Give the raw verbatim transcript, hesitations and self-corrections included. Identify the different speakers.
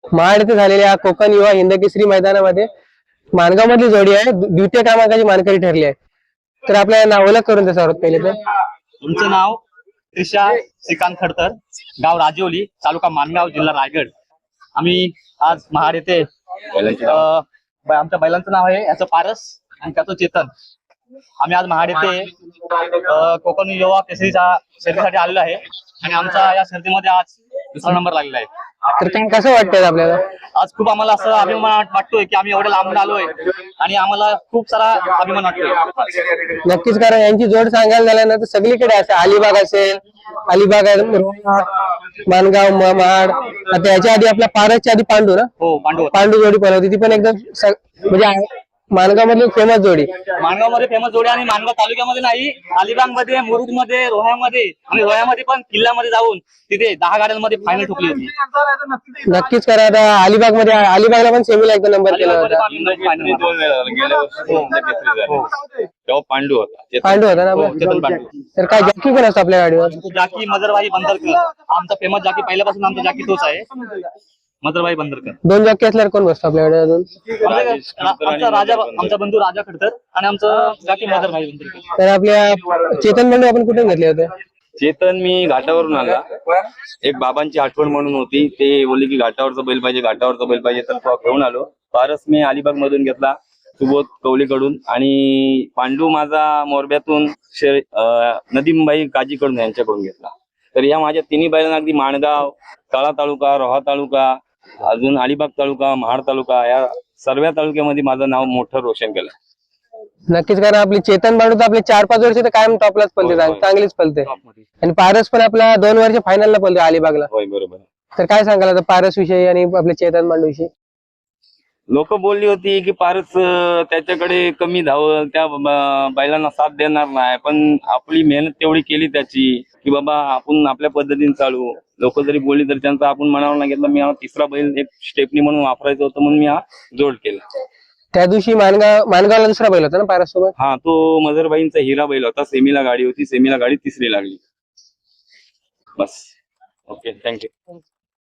Speaker 1: महाड येथे झालेल्या कोकण युवा हिंदकेसरी मैदानामध्ये माणगाव मधली जोडी आहे, द्वितीय क्रमांकाची मानकरी ठरली आहे. तर आपल्याला नाव ओळख करून द्या सर्वात पहिले तर.
Speaker 2: तुमचं नाव? त्रिशा श्रीकांत खडतर, गाव राजिवली, तालुका मानगाव, जिल्हा रायगड. आम्ही आज महाड येथे आमच्या बैलांचं नाव आहे याचं पारस आणि त्याचं चेतन. आम्ही आज महाड येथे कोकण युवा केसरीच्या शर्यतीसाठी आलेलो आहे आणि आमचा या शर्यतीमध्ये आज दुसरा नंबर लागलेला आहे.
Speaker 1: तर काय कसं वाटतंय आपल्याला?
Speaker 2: आज खूप आम्हाला असं अभिमान वाटतोय की आम्ही एवढे लांबून आलोय आणि आम्हाला खूप सारा अभिमान वाटतोय.
Speaker 1: नक्कीच, कारण यांची जोड सांगायला झाल्यानंतर सगळीकडे असेल, अलिबाग असेल, अलिबाग मानगाव, महाड. आता याच्या आधी आपल्या पारसच्या आधी पांडू ना,
Speaker 2: हो पांडू
Speaker 1: पांडू जोडी पण होती, ती पण एकदम म्हणजे मानगाव मधली फेमस जोडी.
Speaker 2: मानगाव मध्ये फेमस जोडी आणि मानगाव तालुक्यामध्ये नाही, अलिबाग मध्ये, मुरुड मध्ये, रोह्यामध्ये आणि रोह्यामध्ये पण किल्ल्यामध्ये जाऊन तिथे दहा गाड्यांमध्ये फायनल ठोकली होती.
Speaker 1: नक्कीच करा. आता अलिबाग मध्ये, अलिबागला पण सेमीला एकदा नंबर केला होता,
Speaker 2: पांडू होता
Speaker 1: पांडू होता ना. तर काय जॅकी पण असतो आपल्या गाडीवर?
Speaker 2: जाकी मजरभाई बंदरकर, आमचा फेमस जाकी, पहिल्यापासून आमचा जाकी तोच आहे, मजरभाई बंदरकर.
Speaker 1: दोन जॉकी असल्यावर कोण बसतो आपल्या गाडीवर अजून?
Speaker 2: आमचा राजा, आमचा बंधू राजा खडतर आणि आमचं जाकी मजरभाई बंदरकर.
Speaker 1: तर आपल्या चेतन बंधू आपण कुठून घेतले होते?
Speaker 3: चेतन मी घाटावरून आला, एक बाबांची आठवण म्हणून होती, ते बोलले की घाटावरचा बैल पाहिजे, घाटावरचा बैल पाहिजे, तर तो घेऊन आलो. पारस मी अलिबाग मधून घेतला, सुबोध कवलीकडून, आणि पांडू माझा मोरब्यातून नदीमबाई काजीकडून यांच्याकडून घेतला. तर या माझ्या तिन्ही बैलांना अगदी माणगाव, तळा तालुका, रोहा तालुका, अजून अलिबाग तालुका, महाड तालुका, या सर्व तालुक्यामध्ये माझं नाव मोठं रोशन केलं.
Speaker 1: नक्कीच, कारण आपली चेतन बांडू तर आपले चार पाच वर्ष तर कायम टॉपलाच पलते, चांगलीच पलते. आणि पारस पण आपला दोन वर्ष फायनलला पलते अलिबागला.
Speaker 3: होय, बरोबर.
Speaker 1: तर काय सांगाल आता पारस विषयी आणि आपल्या चेतन बांडू विषयी?
Speaker 3: लोक बोलली होती की पारस त्याच्याकडे कमी धावल, त्या बैलांना साथ देणार नाही, पण आपली मेहनत तेवढी केली त्याची की बाबा आपण आपल्या पद्धतीने चालू. लोक जरी बोलली तरी त्यांचा आपण मनावर नाही घेतला. मी हा तिसरा बैल एक स्टेपनी म्हणून वापरायचं होतं म्हणून मी हा जोड केला.
Speaker 1: त्या दिवशी मानगाव मानगावला दुसरा बैल होता ना पारस सोबत?
Speaker 3: हा, तो मजरबाईंचा हिरा बैल होता. सेमीला गाडी होती, सेमीला गाडी तिसरी लागली. बस. Okay, thank you.